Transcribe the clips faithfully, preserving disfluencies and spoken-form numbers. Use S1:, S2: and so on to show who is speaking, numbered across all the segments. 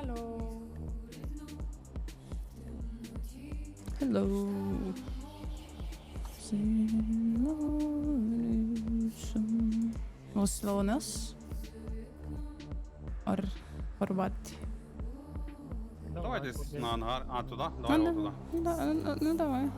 S1: Hello. Hello. Oslo-Nes? Or, or what?
S2: Давай десь на ангар. А, туди?
S1: Ну,
S2: Давай
S1: да-
S2: його туди.
S1: ну, да- ну, ну, давай.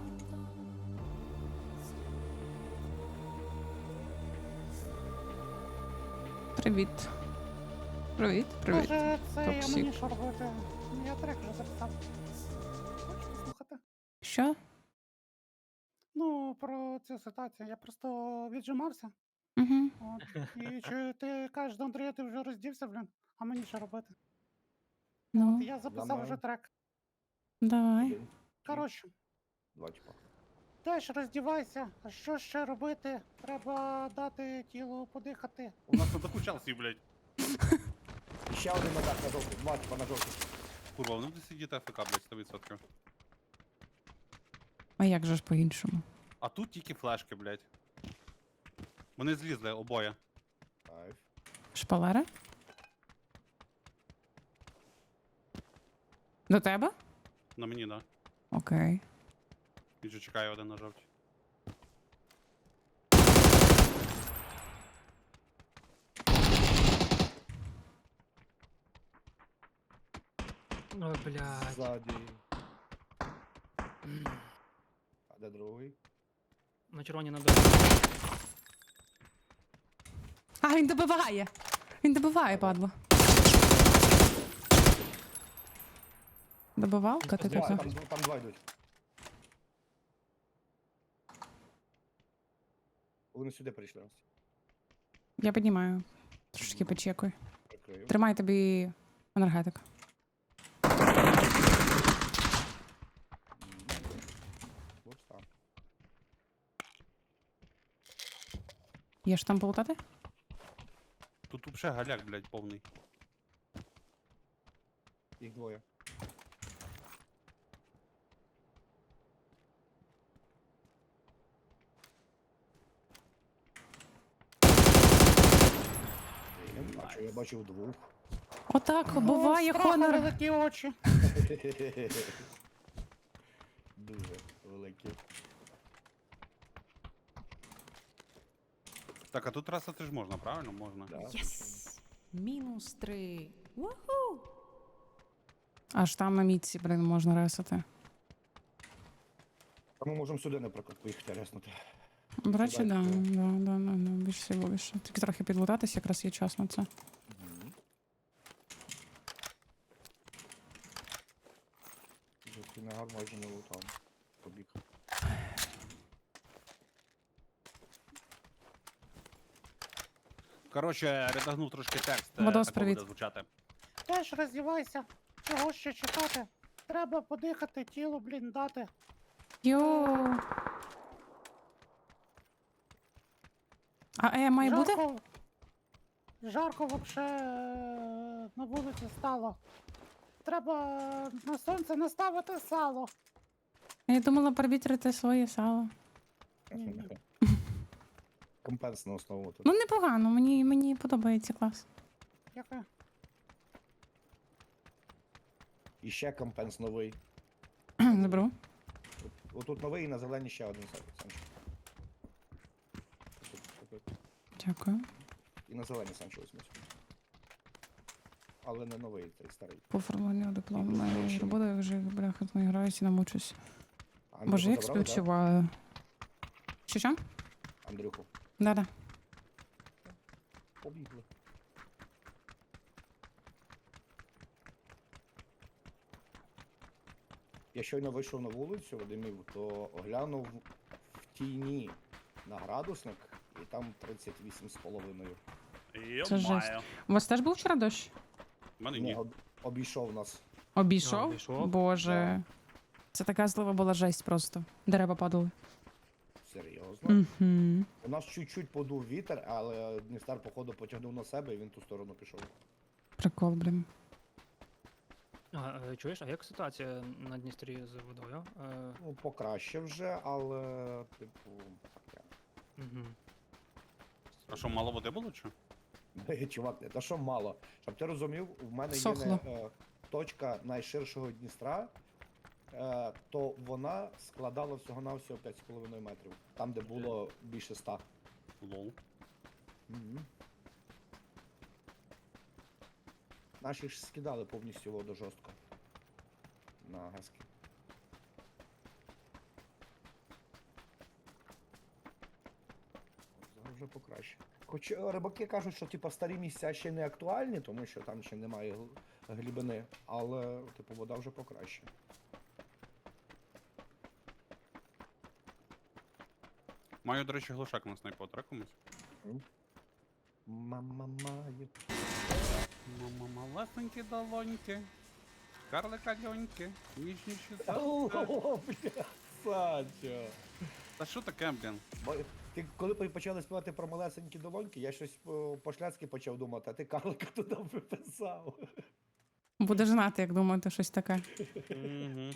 S1: Привіт. Привіт, привіт.
S3: Може, це я
S1: Токсик.
S3: мені що робити? Я трек вже записав. Хочете слухати?
S1: Що?
S3: Ну, про цю ситуацію. Я просто віджимався.
S1: Угу.
S3: От. І чи ти кажеш, до Андрія, ти вже роздівся, блін? А мені що робити?
S1: Ну,
S3: От, я записав
S4: Нормально.
S3: вже трек.
S1: давай.
S4: Один,
S3: Коротше,
S4: два типа.
S3: теж роздівайся. А що ще робити? Треба дати тілу подихати.
S2: У нас тут таку Челсі, блядь.
S4: І ще один назад на жовтий, два типа на жовтий.
S2: Курва, вони буде сидіти АФК, блядь, сто відсотків.
S1: А як же ж по-іншому?
S2: А тут тільки флешки, блядь. Вони злізли обоє.
S4: Кайф.
S1: Шпалери? До тебе?
S2: На мені, да.
S1: Окей.
S2: Він же чекає один на жовтій.
S5: Ой, блядь.
S4: Ззаді. А де другий?
S5: На червоні надо.
S1: А, він добиває! Він добиває, падло. Добивалка ти
S4: Два,
S1: така?
S4: там, там два йдуть. Вони сюди прийшли нас.
S1: Я піднімаю. Трошки почекуй.
S4: Прикрию.
S1: Тримай тобі енергетик.
S4: Ось там.
S1: Є ж там полутати?
S2: Тут взагалі галяк, блядь, повний.
S4: Їх двоє. Блін, А що я бачив двох?
S1: Отак, буває,
S3: Страха
S1: Хонор.
S3: великі очі.
S4: Дуже великі.
S2: Так, а тут раса ж можна, правильно? Можна.
S4: Да,
S6: Єс! Мінус три. Уху!
S1: Аж там на мітці, блин, можна ресити.
S4: А ми можемо сюди, наприклад, поїхати реснути.
S1: До речі,
S4: Сюди,
S1: да,
S4: сюди.
S1: да, да, да, да, більш всього більше. Тільки трохи підлутатись, якраз є час на це.
S4: Мгм. Жовтий нагар майже не лутав. Побіг.
S2: Коротше, редагнув трошки текст. е,
S1: Водос,
S2: тако
S1: привіт.
S2: буде звучати.
S3: Теж роздівайся. Чого ще чекати? Треба подихати, тілу, блін, дати.
S1: Йоу. А е, має бути?
S3: Жарко, жарко вообще е, на вулиці стало. Треба на сонце наставити сало.
S1: Я думала провітрити своє сало.
S4: Компенс на основу тут.
S1: Ну, непогано, мені, мені подобається клас.
S3: Дякую.
S4: І ще компенс новий.
S1: Заберу.
S4: От- Отут новий і на зелені ще один сам- Санчо. Тут, тут, тут.
S1: Дякую.
S4: І на зелені Санчо візьмуть. Але не новий, цей старий.
S1: По формуванню диплому.
S4: Ну,
S1: Маю
S4: точно.
S1: роботу, я вже бляха не граюся, намучусь.
S4: Андрюху
S1: Боже, як
S4: забрали, да?
S1: співчуваю. Що що?
S4: Андрюху.
S1: Да-да.
S4: Побігли. Я щойно вийшов на вулицю, Вадимів, то оглянув в тіні на градусник, і там тридцять вісім з половиною.
S1: Це жесть. У вас теж був вчора дощ?
S2: У мене
S4: Не,
S2: ні.
S4: об- обійшов нас.
S1: Обійшов?
S5: А, обійшов?
S1: Боже. Це така злива була жесть просто. Дерева падали.
S4: Серйозно.
S1: Угу.
S4: У нас чуть-чуть подув вітер, але Дністер, походу, потягнув на себе, і він в ту сторону пішов.
S1: Прикол, блін.
S5: А, е, чуєш, а як ситуація на Дністрі з водою? Е,
S4: Ну, покраще вже, але, типу, таке.
S5: угу.
S2: А що, мало води було чи?
S4: Чувак, не те, що мало. Щоб ти розумів, в мене
S1: Сохло.
S4: є не, е, точка найширшого Дністра, е, то вона складала всього-навсього п'ять з половиною метрів. Там, де було більше ста.
S2: Лол.
S4: Мгм. Наші ж скидали повністю воду жорстко. На газки. Зараз вже покраще. Хоч е, рибаки кажуть, що типу, старі місця ще не актуальні, тому що там ще немає гл- глибини, але типу, вода вже покраще.
S2: Маю, до речі, глушак на снайпу, треба комусь?
S4: Мама має.
S2: Мама, малесенькі долоньки, карлика льоньки, ніжніші.
S4: О, бля, Санчо.
S2: Та що таке, блін?
S4: Бо ти коли по- почали співати про малесенькі долоньки, я щось по- по-шляцьки почав думати, а ти карлика туди виписав.
S1: Буде знати, як думаєте, щось таке.
S2: Мгм.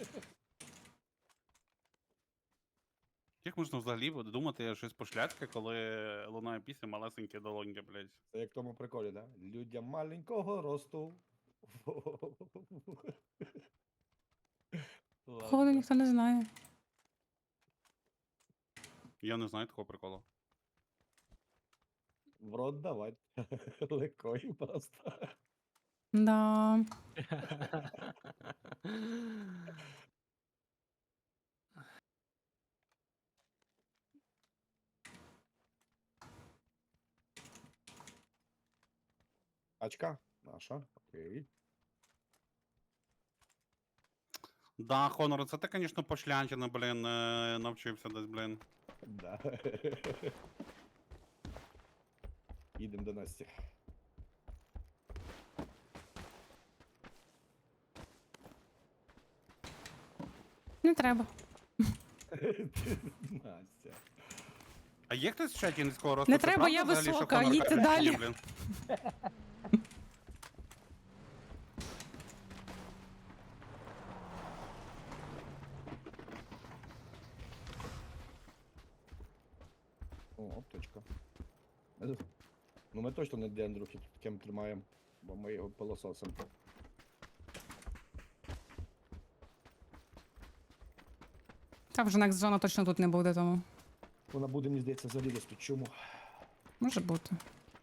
S2: Як можна взагалі думати щось пошляцьке, коли лунає пісня малесенькі долоньки, блядь?
S4: Це як в тому приколі, да? Людям маленького росту.
S1: Походу ніхто не знає.
S2: Я не знаю такого приколу.
S4: В рот давать. Легкої просто.
S1: Да.
S4: Тачка наша. Окей.
S2: Да, Хонор, це ти, звісно, пошлянчина, блін, е, навчився десь, блін.
S4: Да. Їдемо до Насті.
S1: Не треба.
S4: Настя.
S2: А є хтось в чаті низького росту?
S1: Не
S2: Це
S1: треба,
S2: правда
S1: я
S2: взагалі, що
S1: висока,
S2: Хонор
S1: їдьте
S2: каже,
S1: далі.
S2: «Ні, блін»?
S4: О, аптечка. Е, Ну ми точно не для Андрюхи тут кем тримаємо, бо ми його пилососимо.
S1: Та вже next зона точно тут не буде, тому.
S4: Вона буде, мені здається, залізти під чуму.
S1: Може бути.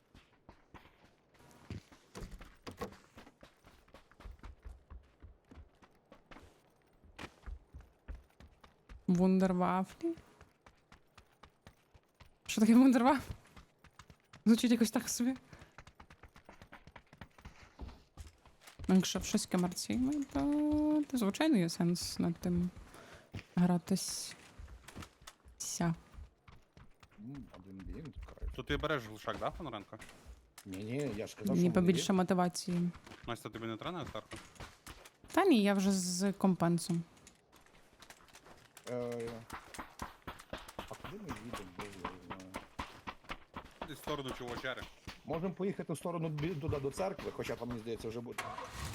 S1: Вундервафлі? Що таке вундерваф? Звучить якось так собі. Ну, якщо в щось комерційне, то, то звичайно є сенс над тим гратись. Ся.
S4: М, Один бін, кайф.
S2: То ти береш глушак, да, Фоноренко?
S4: Ні-ні, я ж казав,
S1: Мені
S4: що в мене
S1: побільше
S4: є.
S1: мотивації.
S2: Настя, тобі не треба на старку?
S1: Та ні, я вже з компенсом.
S4: Е, А куди ми їдемо? Боже, я не знаю.
S2: Десь в сторону Чувачари.
S4: Можемо поїхати в сторону бі- туди до церкви, хоча там, мені здається, вже буде.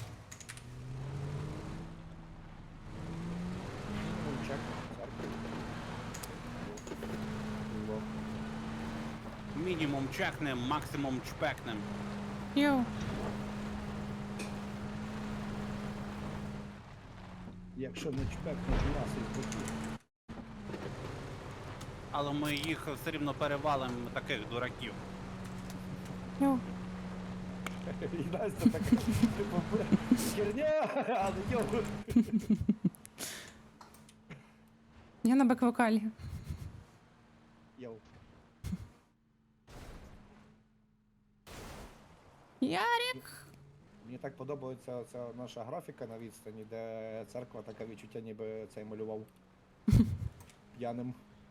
S4: Ну, чек, церкви. Було.
S2: Мінімум чекнем, максимум чпекнем.
S1: Йоу.
S4: Якщо не чпекнуть нас із боків.
S2: Але ми їх все рівно перевалимо, таких дураків.
S1: Йоу.
S4: І Настя така, типу, бля, херня, але йо.
S1: Я на бек-вокалі.
S4: Йоу.
S1: Ярік!
S4: Мені так подобається ця наша графіка на відстані, де церква таке відчуття, ніби цей малював п'яним.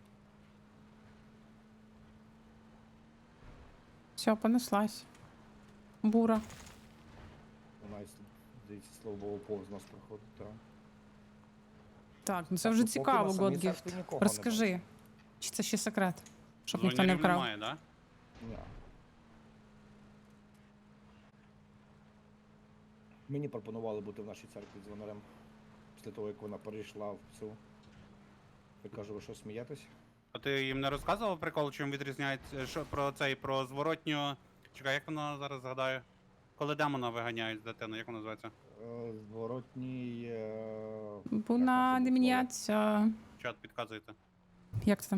S1: Все, понеслась. Бура.
S4: Вона, й, здається, слава Богу, повз нас проходить. Так.
S1: Так, ну це
S4: Так,
S1: вже
S4: ну, поки
S1: цікаво,
S4: на самій
S1: Godgift.
S4: церкві нікого
S1: Розкажи. Чи це ще секрет? Щоб
S2: Зоні
S1: ніхто не
S2: рівня
S1: вкрав.
S2: немає, да?
S4: Ні. Мені пропонували бути в нашій церкві дзвонарем після того, як вона перейшла в цю. Я кажу, ви що, смієтесь?
S2: А ти їм не розказував прикол, чим відрізняється що про цей, про зворотню. Чекай, як воно зараз згадаю? Коли демона виганяють з дитини, як воно називається?
S4: Е, Зворотній. е,
S1: Вона
S4: як
S1: не
S4: це
S1: міняється.
S2: Чат, підказуєте.
S1: Як це там?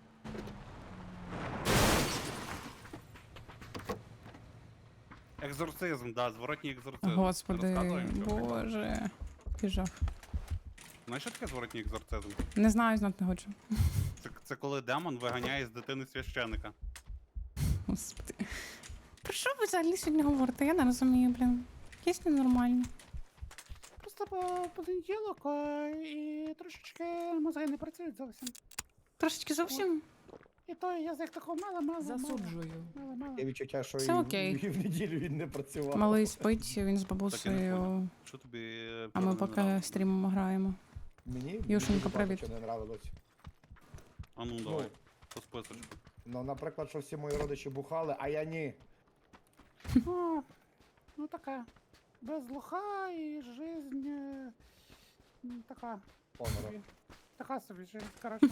S2: Екзорцизм, да, зворотній екзорцизм.
S1: Господи,
S2: Розказуємо, що таке?
S1: боже. Який жах.
S2: Знаєш, що таке зворотній екзорцизм?
S1: Не знаю, знати не хочу.
S2: Це, це коли демон виганяє з дитини священика.
S1: Господи. Про що ви взагалі сьогодні говорите? Я не розумію, блін. Якісь ненормальні.
S3: Просто по понеділок е, і трошечки мозги не працюють зовсім.
S1: Трошечки зовсім.
S3: І то я з них такого мало, мало, мало,
S6: Засуджую.
S3: мало, мало.
S4: Є відчуття, що
S1: Це
S4: і, в-
S1: окей.
S4: і в неділю він не працював.
S1: Малий спить, він з
S2: Так я не
S1: бабусею.
S2: понял. Що тобі. е,
S1: А ми
S2: вчора не
S1: поки
S2: нравилось?
S1: стрімимо граємо.
S4: Мені
S1: Юшенька,
S4: мені дуже багато
S1: привіт.
S4: чого не нравилось.
S2: А ну давай, по списочку.
S4: Ну, наприклад, що всі мої родичі бухали, а я ні.
S3: О, ну така. Без лоха і жизнь е, м, така.
S4: Понора.
S3: собі. Така собі жизнь, коротше.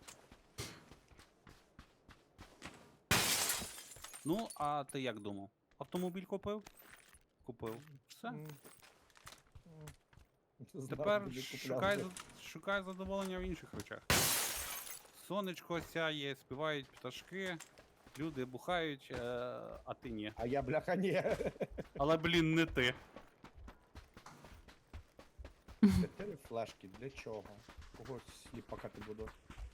S2: Ну, а ти як думав? Автомобіль купив? Купив. Все.
S4: М. М. Знав,
S2: Тепер
S4: тобі купляв
S2: шукай,
S4: вже.
S2: за- шукай задоволення в інших речах. Сонечко сяє, співають пташки, люди бухають, е, а ти ні.
S4: А я, бляха, ні.
S2: Але, блін, не ти.
S4: Чотири флешки, для чого? Когось сліпакати буду.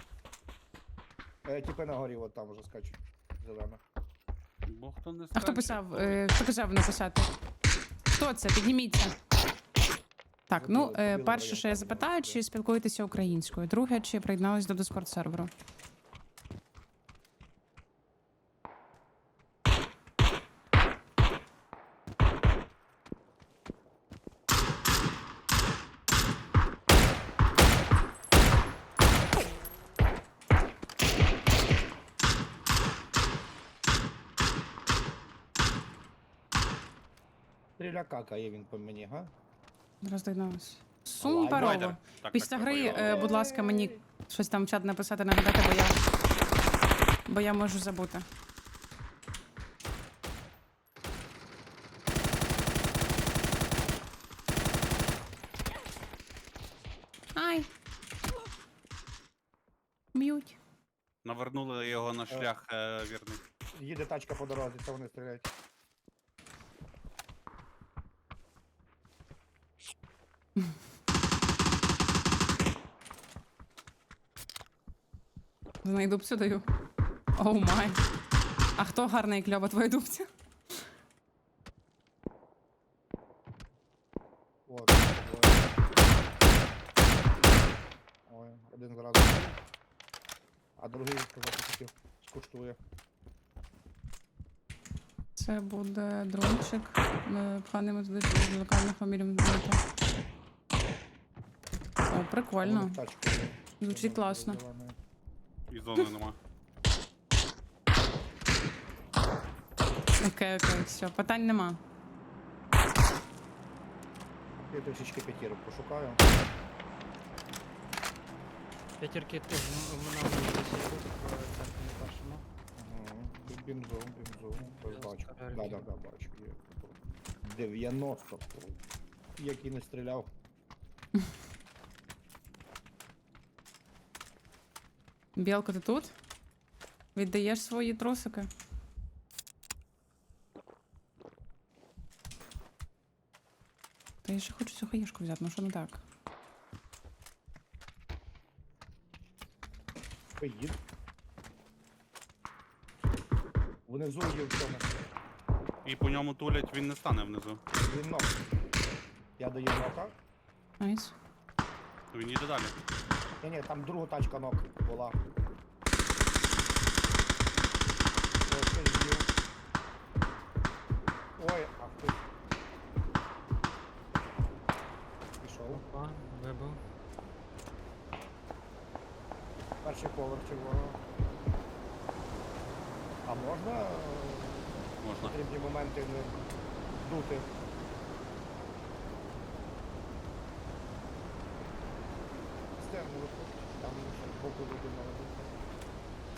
S4: Е, тіпи на горі, от там вже скачуть. Зелена.
S2: Бо хто не
S1: А хто
S2: скаче,
S1: писав?
S2: той-
S1: Е, Хто писав написати? Хто це? Підніміться. Так, ну,
S4: Забіли-
S1: е,
S4: забіли
S1: перше,
S4: район
S1: що я
S4: там,
S1: запитаю,
S4: де-
S1: чи спілкуєтеся українською. Друге, чи приєднались до Discord серверу.
S4: Стріля какає він по мені, га?
S1: Роздивилась.
S4: Лайдер.
S1: Сумперово.
S2: Лайдер. Так,
S1: Після
S2: так,
S1: гри,
S2: так,
S1: е, будь ласка, мені щось там в чат написати, нагадати, бо я. Бо я можу забути. Ай. Б'ють.
S2: Навернули його на шлях е, вірний.
S4: Їде тачка по дорозі, це вони стріляють.
S1: Знайду дубцю даю. Оу май. А хто гарна і кльова твоя дубця?
S4: От, двоє. Ой, один зразу. А другий сказати хотів, скуштує.
S1: Це буде дрончик. Ми пханемо туди з локальних фамілій. О, прикольно.
S4: Вони тачкою.
S1: Звучить класно.
S4: Зеленою.
S2: І зони нема.
S1: Окей, окей, все, питань нема.
S4: Я трішечки п'ятірок пошукаю.
S5: П'ятірки ти в мене десь є тут, в центрі на першому.
S4: Ага. Бінзу, бінзу. Ось
S5: Я
S4: бачу.
S5: стараю
S4: Да, да, да, бачу. Є. дев'яносто. Який не стріляв.
S1: Білка, ти тут? Віддаєш свої трусики? Та я ще хочу цю хаєшку взяти, ну що не так?
S4: Поїд. Внизу є в цьому.
S2: І по ньому тулять, він не стане внизу.
S4: Він ног. Я даю нока.
S1: Найс.
S2: То він їде далі.
S4: Ні, ні, там друга тачка ног була. Ось хтось збив. Ой, а хтось. Пішов.
S5: Опа, вибив.
S4: Перший поверх червоного. А можна е,
S2: Можна.
S4: потрібні моменти не дути? Стен виходить, там ще боку людина робити.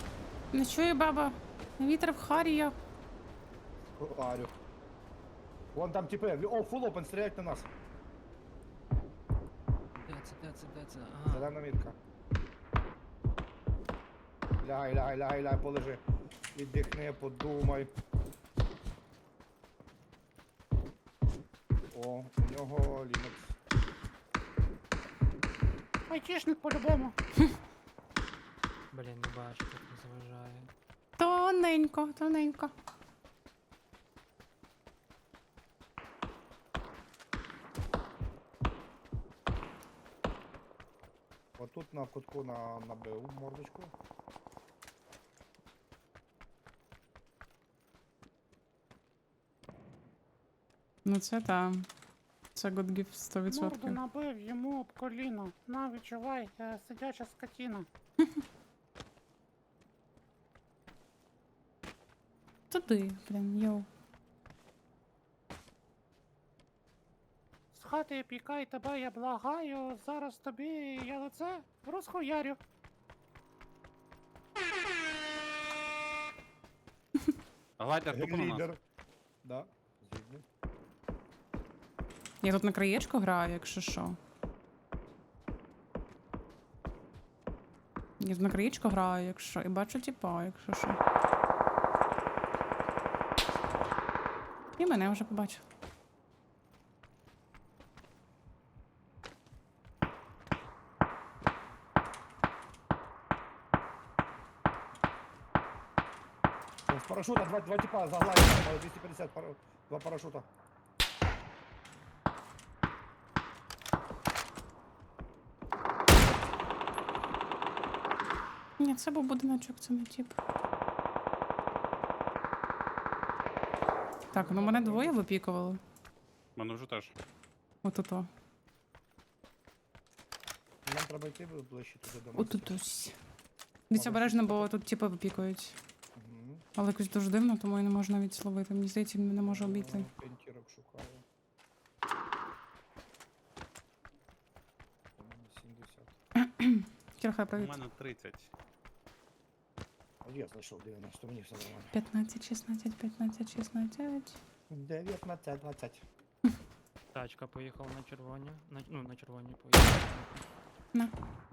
S1: Не чую, баба. Вітер в харі я.
S4: Арю. Вон там типи. О, фул опен, стріляють на нас.
S5: Де це, де це, де це? Ага.
S4: Зелена мітка. Лягай, лягай, лягай, лягай, полежи. Віддихни, подумай. О, у нього Linux.
S3: Айтішник по-любому.
S5: Блін, не бачу, як не заважає.
S1: Тоненько, тоненько.
S4: Отут на кутку на, набив мордочку.
S1: Ну це там. Це good gift сто
S3: Морду
S1: відсотків.
S3: набив йому об коліно. На, відчувай, е, сидяча скотіна.
S1: Туди, блін, йоу.
S3: З хати пікай тебе, я благаю. Зараз тобі я лице розхуярю.
S2: Глайдер тупо на нас.
S4: Лідер. Да, згідно.
S1: Я тут на краєчку граю, якщо що. Я тут на краєчку граю, якщо. І бачу тіпа, якщо що. І мене вже побачив.
S4: О, з парашута, два, два типа, заглайдер, двісті п'ятдесят, пара, два парашута.
S1: Ні, це був будиночок, це не тіп. Так, ну мене двоє випікували.
S2: Мене вже теж.
S1: От-ото.
S4: Нам треба йти ближче туди до нас.
S1: От-тут ось. Дивіться обережно, бо тут тіпи випікують.
S4: Мгм.
S1: Але якось дуже дивно, тому я не можу навіть словити. Мені здається, він мене може обійти.
S4: О, П'ятірок шукаю. У мене сімдесят.
S1: Кірхай,
S2: У
S1: привіт.
S2: мене тридцять.
S4: О, я знайшов дев'яносто, мені все нормально.
S1: п'ятнадцять, шістнадцять, п'ятнадцять, шістнадцять.
S4: дев'ятнадцять, двадцять.
S5: Тачка поїхала на червоні. На, ну, на червоні поїхала.
S1: На.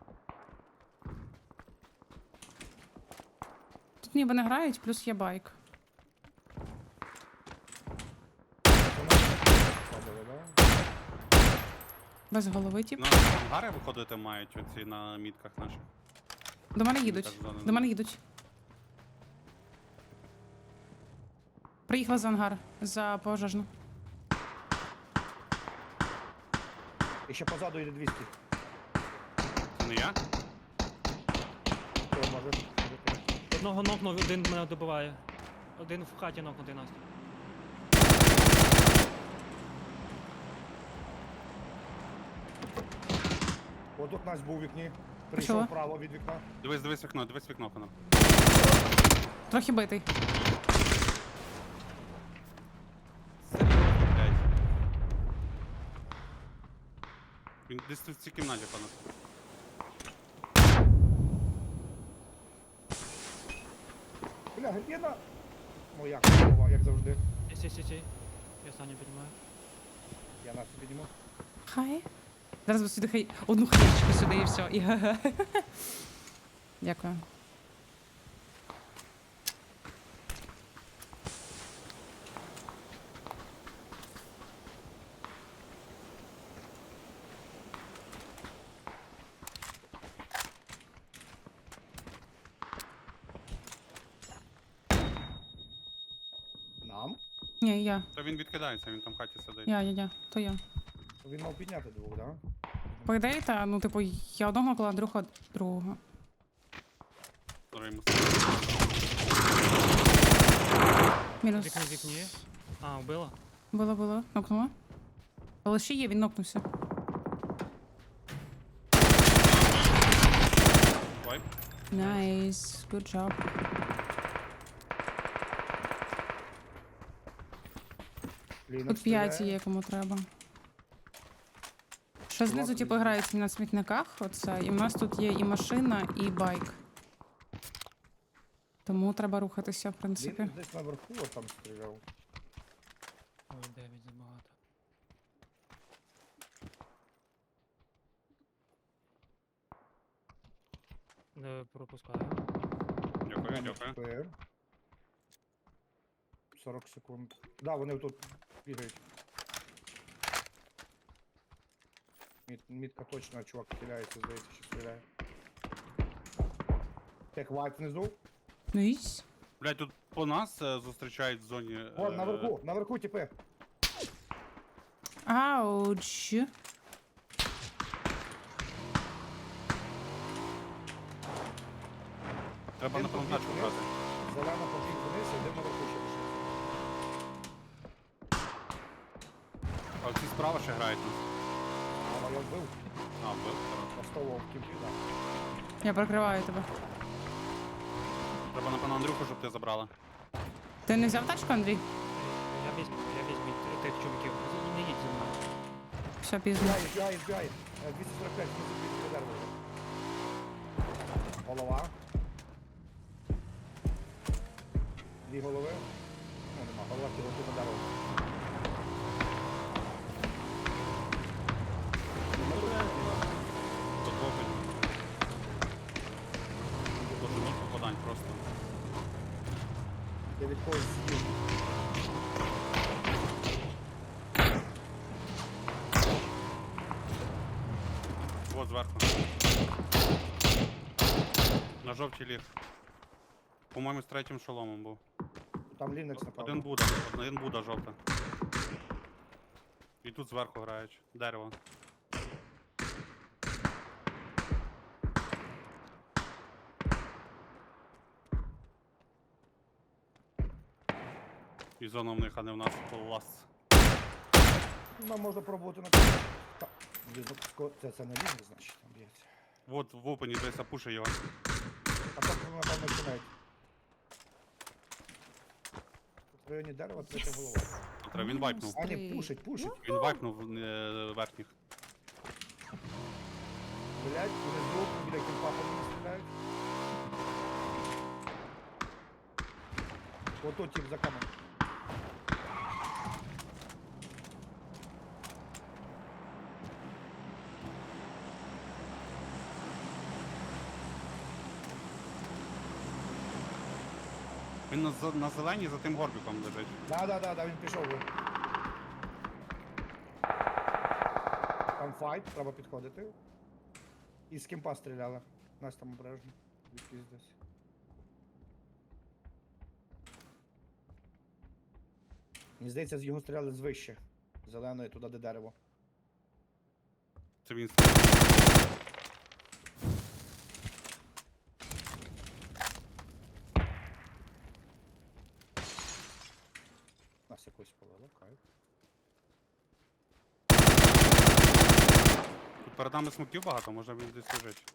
S1: Тут ніби не грають, плюс є байк.
S4: Падали, да?
S1: Без голови, тіп.
S2: На ангари виходити мають оці на мітках наших.
S1: До мене їдуть.
S2: Так, зони
S1: До мене їдуть. Приїхала за ангар, за пожежну.
S4: І ще позаду йде двісті.
S2: Це не я?
S4: Хто може? Може ти?
S5: Одного нокнув, один мене добиває. Один в хаті нокнутий нас.
S4: От тут нас був у вікні.
S1: Чого?
S4: Прийшов вправо від вікна.
S2: Дивись, дивись вікно, дивись вікно, пана.
S1: Трохи битий.
S2: Серйозно, блядь. Він десь тут в цій кімнаті, пана.
S4: Бля, Гена! Моя корова, як завжди.
S5: Сі, сі, сі. Я Саню піднімаю.
S4: Я нас підніму.
S1: Хай. Зараз би сюди хай одну хаєчку сюди і все. І га-га. Дякую.
S4: Нам?
S1: Ні, я.
S2: Та він відкидається, він там в хаті сидить.
S1: Я, я, я. То я.
S4: Він мав підняти двох, да?
S1: По ідеї, та, ну, типу, я одного нокла, а друга другого.
S2: Зараз йому
S1: Мінус.
S5: Вікні, вікні. А, вбила?
S1: Було, було. Нокнула. Але ще є, він нокнувся.
S2: вайп.
S1: Найс. Good job.
S4: Лінок
S1: Тут п'ять
S4: стріляє.
S1: є, кому треба. Ще знизу,
S4: Чувак,
S1: типу,
S4: блін.
S1: грають на смітниках, оце, і в нас тут є і машина, і байк. Тому треба рухатися, в принципі.
S4: Він десь наверху от там стріляв.
S5: Ой, дев'ять забив. Не пропускаю.
S2: Дякую, дякую.
S4: Тепер. сорок секунд. Да, вони тут бігають. Мід, мітка точно, чувак стріляється, здається, що стріляє. Тек вайп внизу.
S1: Найс.
S2: Блядь, тут по нас е, зустрічають в зоні. е,
S4: О, наверху, наверху тіпи.
S1: Ауч.
S2: Треба
S4: Один
S2: на
S4: побіг
S2: плантачку
S4: вниз.
S2: брати.
S4: Зелена побіг вниз, один наверху ще лишився.
S2: А ці справа ще грають нас.
S4: Але я вбив,
S2: А, бив.
S4: поставив в кімпі, так.
S1: Я прикриваю тебе.
S2: Треба, напевно, Андрюху, щоб ти забрала.
S1: Ти не взяв тачку, Андрій?
S5: Я візьму, я візьму т- тих чуваків. З- Не їдь зі мною.
S1: Все пізно.
S4: Збігає, збігає, збігає. Е, двісті сорок п'ять, внизу біля дерева. Голова. Дві голови. Ну, нема, голова тіло тут на дерево.
S2: Тут опить. Дуже ніч попадань просто.
S4: Я від когось з'їв.
S2: Вот зверху. На жовтій ліг. По-моєму, з третім шоломом був.
S4: Там Лінекс, напевно.
S2: Один Буда, один Буда жовта. І тут зверху грають. Дерево. І зона в них, а не в нас клас.
S4: Ну, можна пробувати на Та, блін, ну, ко- Це, це не Лінекс, значить, там б'ється.
S2: Вот в опені десь опуши його.
S4: А там, напевно, починають. Тут в районі дерева третя голова.
S2: Треба, він вайпнув.
S4: А,
S6: Три.
S4: ні, пушить, пушить.
S2: Він вайпнув е, верхніх.
S4: Блять, внизу, біля кімпа по мені стріляють. Ото тип за каменем.
S2: Він на, з- на зеленій за тим горбиком лежить.
S4: Да, да, да, да, він пішов. вже. Там файт, треба підходити. І з кімпа стріляли. Нас там обережно. Відкись десь. Мені здається, з його стріляли звище. Зеленої туди, де дерево.
S2: Це він.
S4: Нас якось повело, кайф.
S2: Тут перед нами смоків багато, може він десь лежить.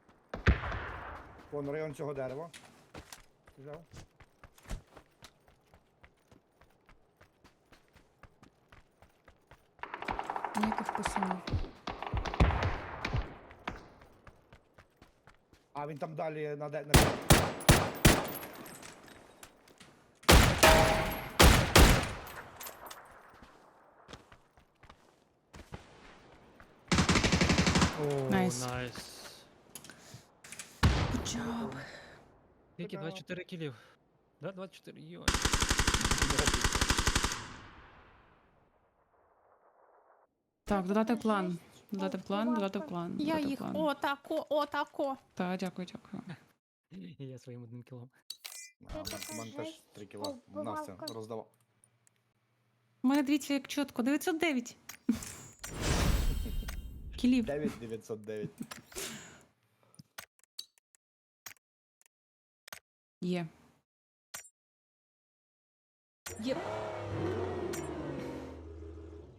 S4: Вон район цього дерева. Стріляв.
S1: Ніяких писанів.
S4: А він там далі на де. На...
S5: О,
S1: Найс.
S5: найс.
S1: Good job.
S5: Скільки?
S4: Така-
S5: двадцять чотири кілів. Да, двадцять чотири, йой.
S1: Так, додати в план. Додати в план, додати в план.
S6: Я
S1: додати в
S6: їх
S1: план.
S6: отако, отако.
S1: Так, дякую, дякую.
S5: І я своїм одним кілом.
S4: А, у мене теж три кіла. Настя роздавав.
S1: У мене дивіться, як чітко. дев'ятсот дев'ять. Кілів.
S4: дев'ять дев'ятсот дев'ять.
S1: Є.
S6: Є.